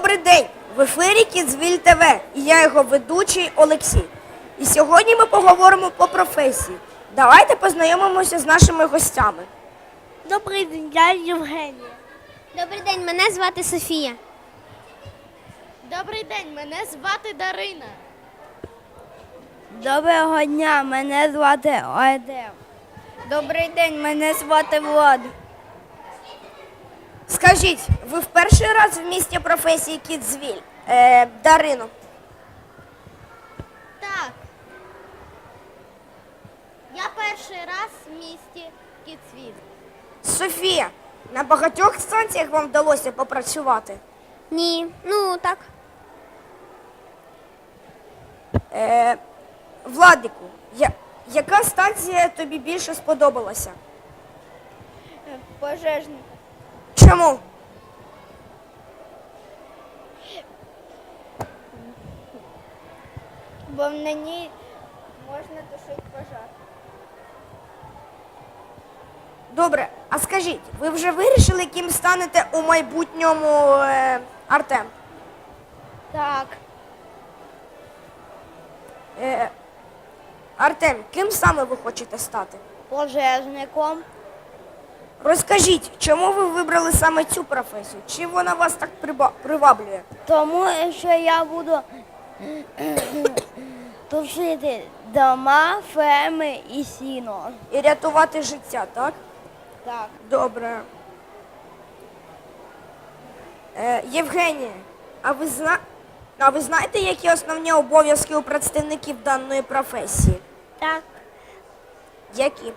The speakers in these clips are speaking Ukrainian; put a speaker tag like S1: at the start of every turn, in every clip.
S1: Добрий день! В ефірі Кідзвіль ТВ і я його ведучий Олексій. І сьогодні ми поговоримо по професії. Давайте познайомимося з нашими гостями.
S2: Добрий день, я Євгенія.
S3: Добрий день, мене звати Софія.
S2: Добрий день, мене звати Дарина.
S4: Доброго дня, мене звати Ойдем. Добрий день, мене звати Влад.
S1: Скажіть, ви в перший раз в місті професії Кідзвіль? Дарино.
S3: Так. Я перший раз в місті Кіцвіт.
S1: Софія, на багатьох станціях вам вдалося попрацювати?
S3: Ні, ну так.
S1: Владику, яка станція тобі більше сподобалася?
S4: Пожежник.
S1: Чому?
S4: Бо на ній можна тушити пожар.
S1: Добре, а скажіть, ви вже вирішили, ким станете у майбутньому, Артем?
S4: Так.
S1: Артем, ким саме ви хочете стати?
S4: Пожежником.
S1: Розкажіть, чому ви вибрали саме цю професію? Чим вона вас так приваблює?
S4: Тому що я буду тушити дома, ферми і сіно.
S1: І рятувати життя, так?
S4: Так.
S1: Добре. Євгенія, а ви знаєте, які основні обов'язки у представників даної професії?
S2: Так,
S1: Які?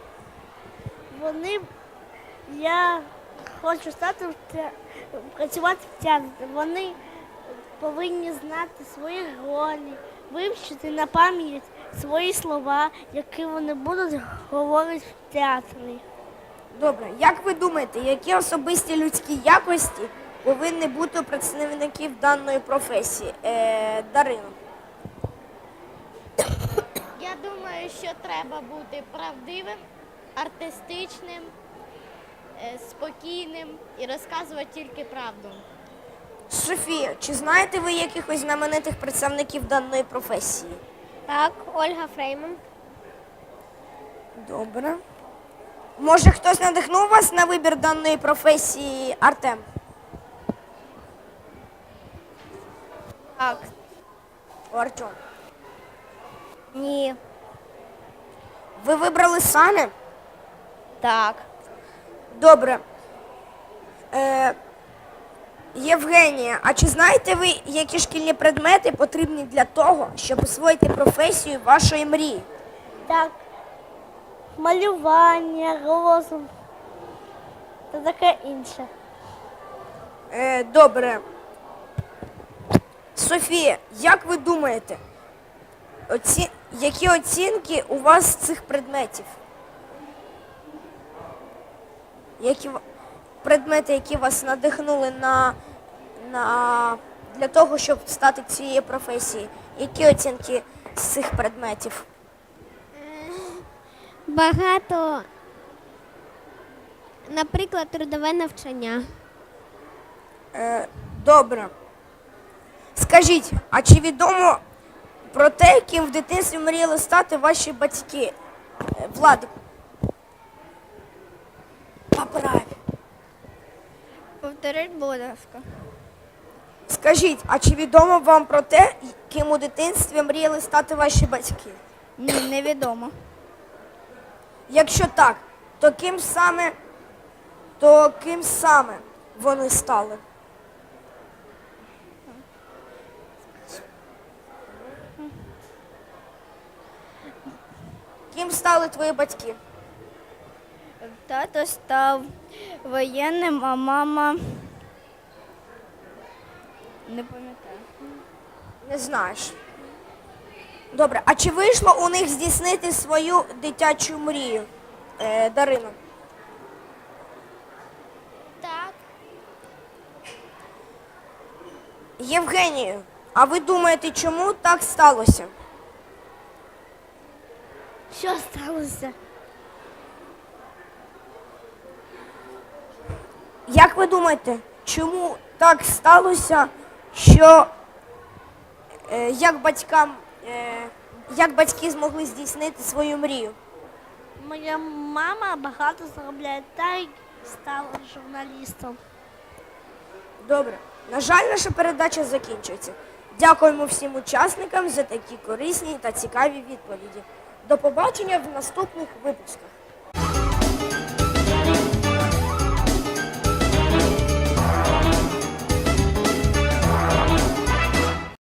S2: я хочу стати працювати в театрі. Вони повинні знати свої ролі, вивчити на пам'ять свої слова, які вони будуть говорити в театрі.
S1: Добре, як ви думаєте, які особисті людські якості повинні бути у представників даної професії? Дарино.
S3: Я думаю, що треба бути правдивим, артистичним, спокійним і розказувати тільки правду.
S1: Софія, чи знаєте ви якихось знаменитих представників даної професії?
S3: Так, Ольга Фрейман.
S1: Добре. Може, хтось надихнув вас на вибір даної професії, Артем?
S4: Так.
S1: Артем.
S4: Ні.
S1: Ви вибрали самі?
S4: Так.
S1: Добре. Євгенія, а чи знаєте ви, які шкільні предмети потрібні для того, щоб освоїти професію вашої мрії?
S2: Так, малювання, розум та таке інше.
S1: Добре. Софія, як ви думаєте, які оцінки у вас з цих предметів? Предмети, які вас надихнули для того, щоб стати цією професією? Які оцінки з цих предметів?
S3: Багато, наприклад, трудове навчання.
S1: Добре. Скажіть, а чи відомо про те, ким в дитинстві мріяли стати ваші батьки? Владик. Поправ.
S4: Повторіть, будь ласка.
S1: Скажіть, а чи відомо вам про те, ким у дитинстві мріяли стати ваші батьки?
S4: Ні, невідомо.
S1: Якщо так, то ким саме вони стали? Ким стали твої батьки?
S4: Тато став воєнним, а мама не пам'ятаю.
S1: Не знаєш. Добре, а чи вийшло у них здійснити свою дитячу мрію, Дарино?
S3: Так.
S1: Євгенію, а ви думаєте, чому так сталося?
S2: Що сталося?
S1: Як ви думаєте, чому так сталося що як батьки змогли здійснити свою мрію?
S2: Моя мама багато заробляє та й стала журналістом.
S1: Добре. На жаль, наша передача закінчується. Дякуємо всім учасникам за такі корисні та цікаві відповіді. До побачення в наступних випусках.